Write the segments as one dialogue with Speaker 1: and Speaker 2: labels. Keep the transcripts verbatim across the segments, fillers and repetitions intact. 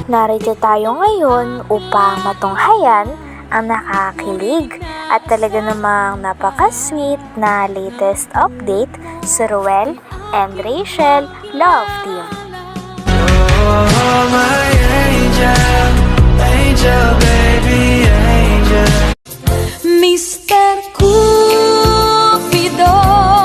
Speaker 1: Narito tayo ngayon upang matunghayan ang nakakakilig at talaga namang napaka-sweet na latest update sa Ruel and Rachel Love Team.
Speaker 2: Oh, my angel, angel, baby, angel.
Speaker 3: mister Cupido,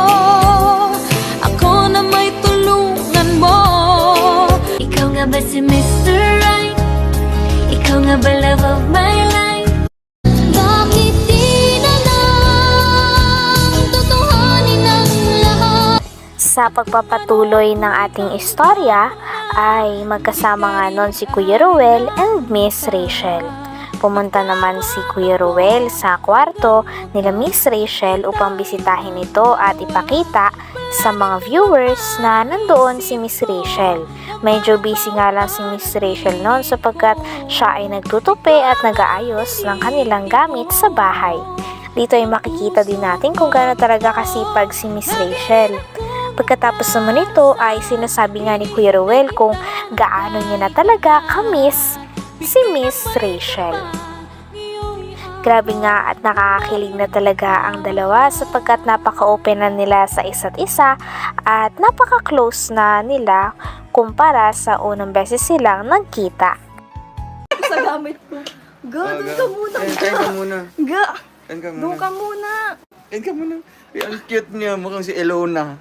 Speaker 3: ako na may tulungan mo. Ikaw nga ba si mister Right? Ikaw nga ba love of my life? Bakit di na lang tutuhanin ang lahat?
Speaker 1: Sa pagpapatuloy ng ating istorya ay magkasama nga nun si Kuya Ruel and Miss Rachel. Pumunta naman si Kuya Ruel sa kwarto nila Miss Rachel upang bisitahin ito at ipakita sa mga viewers na nandoon si Miss Rachel. Medyo busy nga lang si Miss Rachel noon sapagkat siya ay nagtutupi at nag-aayos ng kanilang gamit sa bahay. Dito ay makikita din natin kung gaano talaga kasipag si Miss Rachel. Pagkatapos naman ito ay sinasabi nga ni Kuya Ruel kung gaano niya na talaga ka-miss si Miss Rachel. Grabe nga at nakakakilig na talaga ang dalawa sapagkat napaka-open na nila sa isa't isa at napaka-close na nila kumpara sa unang beses silang nagkita.
Speaker 4: Sa gamit ko. Ga,
Speaker 2: Ah,
Speaker 4: doon
Speaker 2: ga.
Speaker 4: ka muna.
Speaker 2: Kain, kain ka muna.
Speaker 4: Ga,
Speaker 2: Kain ka muna.
Speaker 4: doon ka muna.
Speaker 2: Kain ka muna. Ay, ang cute niya. Mukhang si Elona.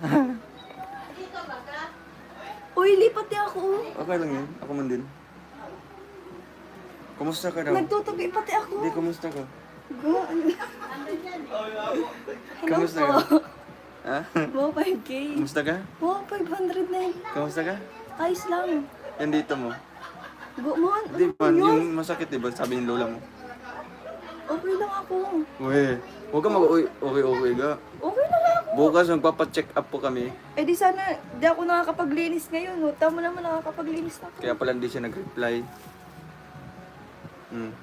Speaker 4: Uy, lipat niya ako.
Speaker 2: Okay lang yan. Ako man din. Kumusta ka daw?
Speaker 4: Nagtutupi pati ako.
Speaker 2: Hindi, kumusta ka?
Speaker 4: Ga, ano? Hello
Speaker 2: Kamusta
Speaker 4: po.
Speaker 2: ka? Ha?
Speaker 4: Wow, five K.
Speaker 2: Kumusta ka?
Speaker 4: Wow, five hundred na yun.
Speaker 2: Kamusta ka?
Speaker 4: Ayos lang.
Speaker 2: Yan dito mo.
Speaker 4: Go, man.
Speaker 2: Di
Speaker 4: Ano
Speaker 2: ba?
Speaker 4: yun?
Speaker 2: Yung masakit, di ba? Sabi ng lola mo.
Speaker 4: Okay lang ako.
Speaker 2: Uy, huwag ka mag-uwi. Okay, okay ka.
Speaker 4: Okay lang ako.
Speaker 2: Bukas magpapacheck up po kami.
Speaker 4: Eh di sana, di ako nakakapaglinis ngayon. No? Tama naman nakakapaglinis na ako.
Speaker 2: Kaya pala hindi siya nag-reply. Hmm.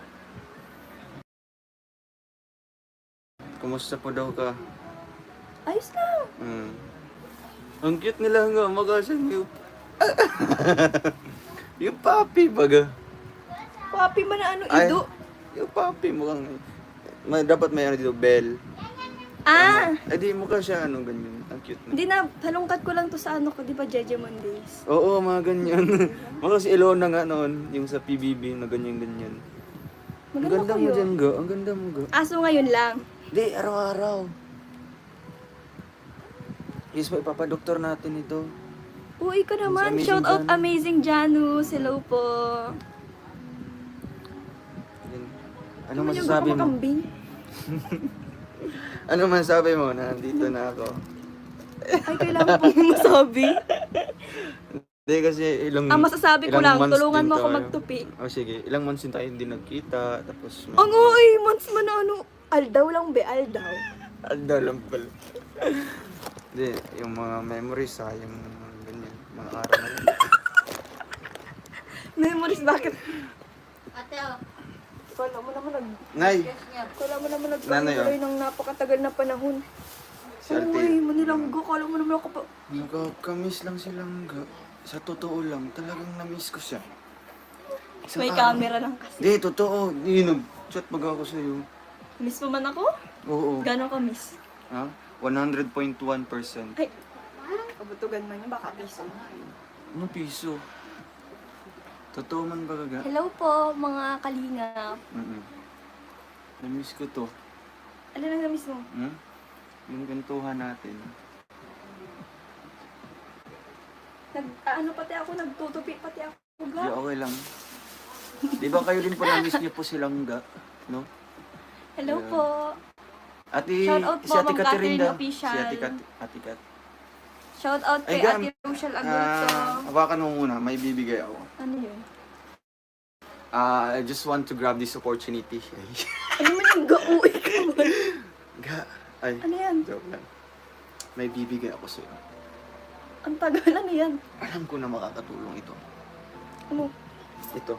Speaker 2: Kumusta po daw ka?
Speaker 4: Ayos lang.
Speaker 2: Hmm. Ang cute nila nga, magasan yung... yung papi baga.
Speaker 4: Papi man na ano,
Speaker 2: Ay,
Speaker 4: ido.
Speaker 2: yung papi mukhang... May, dapat may ano dito, bell.
Speaker 4: Ah!
Speaker 2: Eh di mukha siya ano, ganyan. Ang cute na.
Speaker 4: Hindi na, halongkat ko lang to sa ano ko, di ba, Jeje Mondays?
Speaker 2: Oo, mga ganyan. Mukha si Elona nga noon, yung sa P B B na ganyan-ganyan. Ang
Speaker 4: Maganda
Speaker 2: ganda
Speaker 4: ko
Speaker 2: mo
Speaker 4: yun.
Speaker 2: dyan, ga. Ang ganda mo, ga.
Speaker 4: Aso ngayon lang.
Speaker 2: Di, araw-araw. Yes, may papadoktor natin ito.
Speaker 4: Uy, ka naman.
Speaker 2: Amazing
Speaker 4: Shout out
Speaker 2: Janus.
Speaker 4: Amazing Janus. Hello po.
Speaker 2: Yan. Ano
Speaker 4: Naman yung
Speaker 2: masasabi mo?
Speaker 4: gumakambing.
Speaker 2: Ano masasabi mo na nandito na ako?
Speaker 4: Ay, kailangan pong masabi.
Speaker 2: Hindi kasi ilang
Speaker 4: Ang masasabi ko
Speaker 2: ilang
Speaker 4: lang,
Speaker 2: months
Speaker 4: tulungan
Speaker 2: din
Speaker 4: mo ako
Speaker 2: tayo.
Speaker 4: magtupi.
Speaker 2: Oh, sige. Ilang months din tayo hindi nagkita. Tapos may...
Speaker 4: Ang uy, months man na ano. Aldaw lang be, aldaw.
Speaker 2: Alda lang pala. Hindi, yung mga memories ha, yung ganyan, mga araw na yun.
Speaker 4: Memories, bakit? Kala mo naman nag...
Speaker 2: Nay!
Speaker 4: Kala mo naman
Speaker 2: Nanay,
Speaker 4: nagtuloy ng napakatagal na panahon.
Speaker 2: Si Ate.
Speaker 4: Uy, manilanggo. Kala mo naman ako pa...
Speaker 2: Nakakamiss lang silang ga. Sa totoo lang, talagang na-miss ko siya. Isang
Speaker 4: May
Speaker 2: araw.
Speaker 4: camera lang kasi.
Speaker 2: Hindi, totoo. Hindi, nag-chat baga ako sa'yo.
Speaker 4: Miss mo man ako?
Speaker 2: Oo.
Speaker 4: Gano'n ka miss?
Speaker 2: Ha? one hundred point one percent.
Speaker 4: Ay, kabutugan man yun, baka piso.
Speaker 2: Ano piso? Totoo man ba gaga?
Speaker 4: Hello po, mga kalingap.
Speaker 2: Mm-mm. Na-miss ko to.
Speaker 4: Ano na na-miss mo?
Speaker 2: Hmm? Yung gantuhan natin.
Speaker 4: Nag, ah, ano pati ako, nagtutupi pati ako. Ga.
Speaker 2: Di, okay lang. Di ba kayo din po na-miss niyo po silang ga? No?
Speaker 4: Hello
Speaker 2: Yeah.
Speaker 4: po.
Speaker 2: Ate,
Speaker 4: Shout out
Speaker 2: si
Speaker 4: po,
Speaker 2: Ate
Speaker 4: Ma'am
Speaker 2: Catherine
Speaker 4: Catherine
Speaker 2: daw.
Speaker 4: Official.
Speaker 2: Si Ate Cat. Ate Cat.
Speaker 4: Shout out
Speaker 2: Ay,
Speaker 4: kay
Speaker 2: Gam.
Speaker 4: Ate Rochelle Agurto.
Speaker 2: Ah, hawakan mo muna. May bibigay ako.
Speaker 4: Ano yun?
Speaker 2: Ah, I just want to grab this opportunity.
Speaker 4: Ano man yung ga-uwi ka man?
Speaker 2: Ga. Ay,
Speaker 4: Ano yan?
Speaker 2: joke lang. May bibigay ako sa'yo.
Speaker 4: Ang tagal, ano yan?
Speaker 2: Alam ko na makakatulong ito.
Speaker 4: Ano?
Speaker 2: Ito.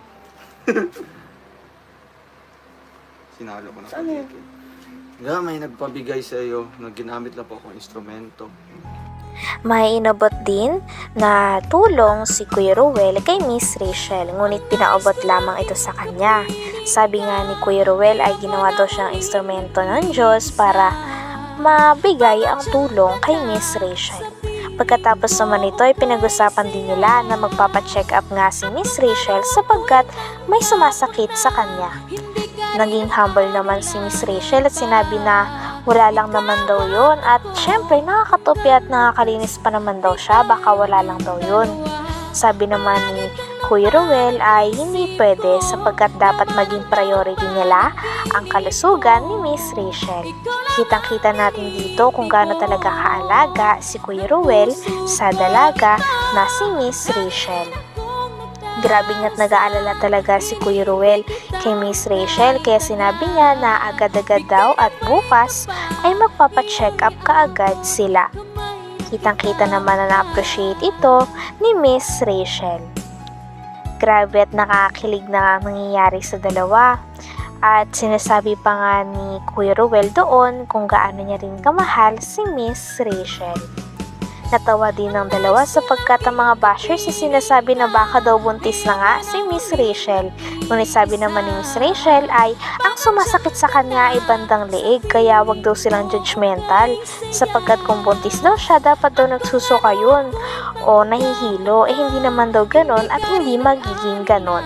Speaker 2: Sinalo ko na
Speaker 4: Ano yan?
Speaker 2: pag-ikit. Nga, may nagpabigay sa iyo na ginamit lang po akong instrumento.
Speaker 1: May inabot din na tulong si Kuya Ruel kay Miss Rachel, ngunit pinaabot lamang ito sa kanya. Sabi nga ni Kuya Ruel ay ginawa daw siyang instrumento ng Diyos para mabigay ang tulong kay Miss Rachel. Pagkatapos naman ito ay pinag-usapan din nila na magpapacheck up nga si Miss Rachel sapagkat may sumasakit sa kanya. Naging humble naman si Miss Rachel at sinabi na wala lang naman daw yun at syempre nakakatupi at nakakalinis pa naman daw siya, baka wala lang daw yun. Sabi naman ni Kuya Ruel ay hindi pwede sapagkat dapat maging priority nila ang kalusugan ni Miss Rachel. Kitang-kita natin dito kung gaano talaga kaalaga si Kuya Ruel sa dalaga na si Miss Rachel. Grabe nga't nag-aalala talaga si Kuya Ruel kay Miss Rachel kaya sinabi niya na agad-agad daw at bukas ay magpapacheck up kaagad sila. Kitang-kita naman na na-appreciate ito ni Miss Rachel. Grabe at nakakilig na nangyayari sa dalawa. At sinasabi pa nga ni Kuya Ruel doon kung gaano niya rin kamahal si Miss Rachel. Natawa din ng dalawa sapagkat ang mga bashers ay sinasabi na baka daw buntis na nga si Miss Rachel. Ngunit sabi naman ni Miss Rachel ay ang sumasakit sa kanya ay bandang leeg kaya wag daw silang judgmental sapagkat kung buntis daw siya dapat daw nagsusuka yun o nahihilo eh hindi naman daw ganon at hindi magiging ganon.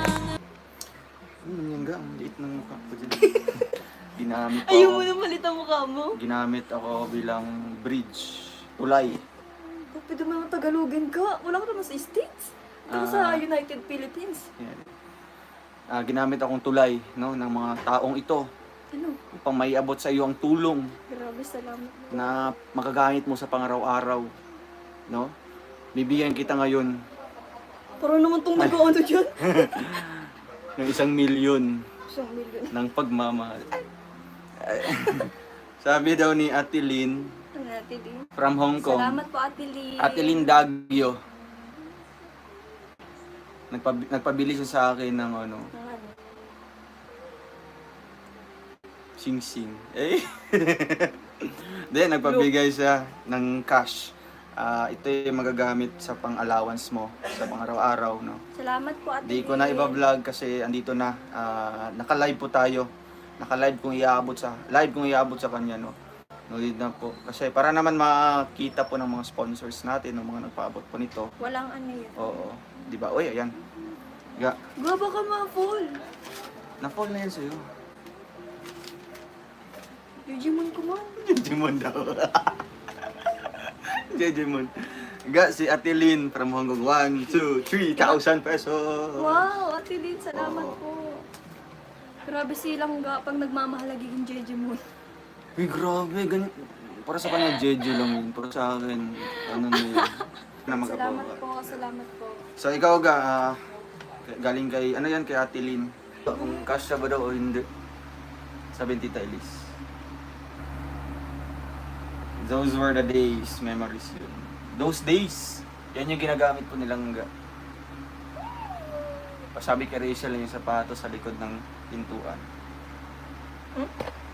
Speaker 2: Ano yan ga? Ang liit ng mukha ko dyan. Ginamit
Speaker 4: Ayaw
Speaker 2: ako.
Speaker 4: mo na malit ang mukha mo.
Speaker 2: Ginamit ako bilang bridge. Tulay.
Speaker 4: Oh, pwede mo naman Tagalogin ka. Wala ka naman sa States. Ito ka sa
Speaker 2: Ah.
Speaker 4: United Philippines.
Speaker 2: Yan. Ah, ginamit akong tulay no, ng mga taong ito
Speaker 4: Ano?
Speaker 2: upang maiabot sa iyo ang tulong
Speaker 4: Grabe, salamat po.
Speaker 2: na magagamit mo sa pangaraw-araw. No? Bibigyan kita ngayon
Speaker 4: Parang naman itong nag-ano dyan.
Speaker 2: ng isang milyon
Speaker 4: Isang milyon.
Speaker 2: ng pagmamahal. Sabi daw ni Ate Lynn
Speaker 4: Ano natin din?
Speaker 2: from Hong Kong.
Speaker 4: Salamat po, Ate Lee.
Speaker 2: Ate Lynn Dagyo. Nagpab- nagpabili siya sa akin ng ano,
Speaker 4: Ng ano?
Speaker 2: sing-sing. Eh? Then, nagpabigay siya ng cash. Ah, ito yung magagamit sa pang-allowance mo, sa pang-araw-araw, no?
Speaker 4: Salamat po, Ate
Speaker 2: Di ko na
Speaker 4: Lee.
Speaker 2: iba-vlog kasi andito na. Ah, naka-live po tayo. Naka-live kung iaabot sa, live kung iaabot sa kanya, no? No need na po. Kasi para naman makita po ng mga sponsors natin, ng mga nagpaabot po nito.
Speaker 4: Walang ano yun.
Speaker 2: Oo. Di ba? Uy, ayan. Ga,
Speaker 4: Gaba ka ma-full.
Speaker 2: na-fall na yan sa'yo.
Speaker 4: Digimon ko man.
Speaker 2: Jejimon daw. Jejimon. Ga, si Ate Lynn from Hong Kong. one, two, three thousand pesos.
Speaker 4: Wow, Ate Lynn, salamat
Speaker 2: Oo.
Speaker 4: po. Grabe silang ga pag nagmamahalagiging Digimon.
Speaker 2: Uy, grabe. Gan para sa kanya, Jeju lang yun. Para sa akin, ano na yun. Na
Speaker 4: Salamat
Speaker 2: magkapawa.
Speaker 4: po, salamat po.
Speaker 2: So, ikaw ga, ah, galing kay, ano yan, kay Ate Lynn. Kung kasya ba daw o hindi. Sabi ni Tita Elise. Those were the days, memories yun. Those days, yan yung ginagamit po nilang ga. Sabi kay Rachel yung sapatos sa likod ng pintuan.
Speaker 4: Hmm?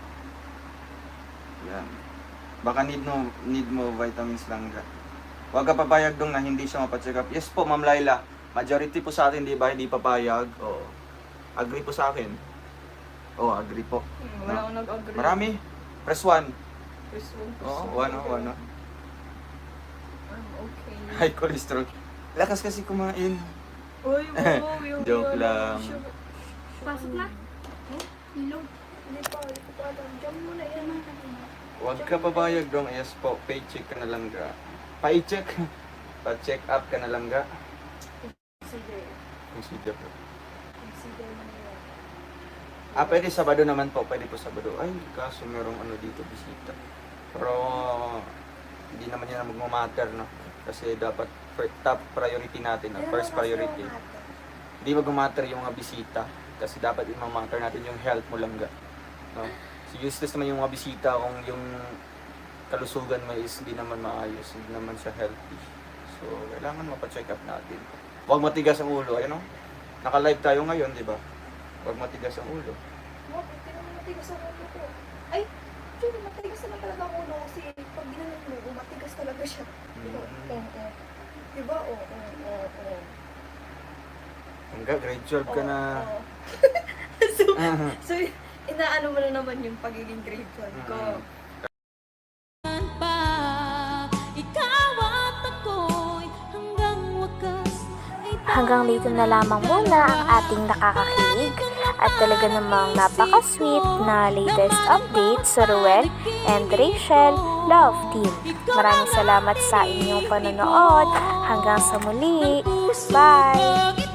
Speaker 2: Yan. Baka need mo, need mo vitamins lang ga. Huwag ka papayag dong na hindi siya mapacheck up. Yes po, Ma'am Laila. Majority po sa atin, di ba, hindi papayag. Oo. Agree po sa akin. Oo, agree po.
Speaker 4: Hmm, wala akong nag-agree.
Speaker 2: Marami. Press one.
Speaker 4: Press one, press
Speaker 2: Oo,
Speaker 4: one.
Speaker 2: one, oh, one. oh.
Speaker 4: Um, okay.
Speaker 2: High cholesterol. Lakas kasi kumain.
Speaker 4: Uy, wow, yung
Speaker 2: Joke
Speaker 4: yung-
Speaker 2: lang.
Speaker 4: Pasok na? Hmm? Ilog. Hindi pa, hindi ko pa alam. Diyan muna yan.
Speaker 2: Huwag ka papayag dong. Yes po, paycheck ka na lang ga. Paycheck. Pa-check up ka na lang ga.
Speaker 4: Sige.
Speaker 2: Consider po.
Speaker 4: Sige mo na yan.
Speaker 2: Ah, pwede Sabado naman po. Pwede po Sabado. Ay, kaso merong ano dito, bisita. Pero, hindi naman yan magmamatter, no? Kasi dapat fir- top priority natin, no? First priority. Hindi magmamatter yung mga bisita. Kasi dapat imamatter natin yung health mo lang, ga. No? So, useless naman yung mga bisita kung yung kalusugan mo is hindi naman maayos, hindi naman siya healthy. So, kailangan mapacheck up natin. Huwag matigas ang ulo, ayun, no? Naka-live tayo ngayon, di ba? Huwag matigas ang ulo.
Speaker 4: Wow, hindi naman matigas ang ulo ko. Ay, actually, matigas naman talaga ang ulo kasi pag ginanong mo, matigas talaga siya. Oo, oo. Diba? Oo, oo, oo.
Speaker 2: Hanggang grade twelve ka na.
Speaker 4: Oo. so, so, inaano mo na naman yung pagiging grade twelve ko.
Speaker 2: Mm.
Speaker 3: pa. Ikaw at ako'y hanggang wakas ay
Speaker 1: Hanggang dito na lamang muna ang ating nakakakilig at talaga namang napaka-sweet na latest update sa Ruel and Rachel Love Team. Maraming salamat sa inyong panonood. Hanggang sa muli. Bye!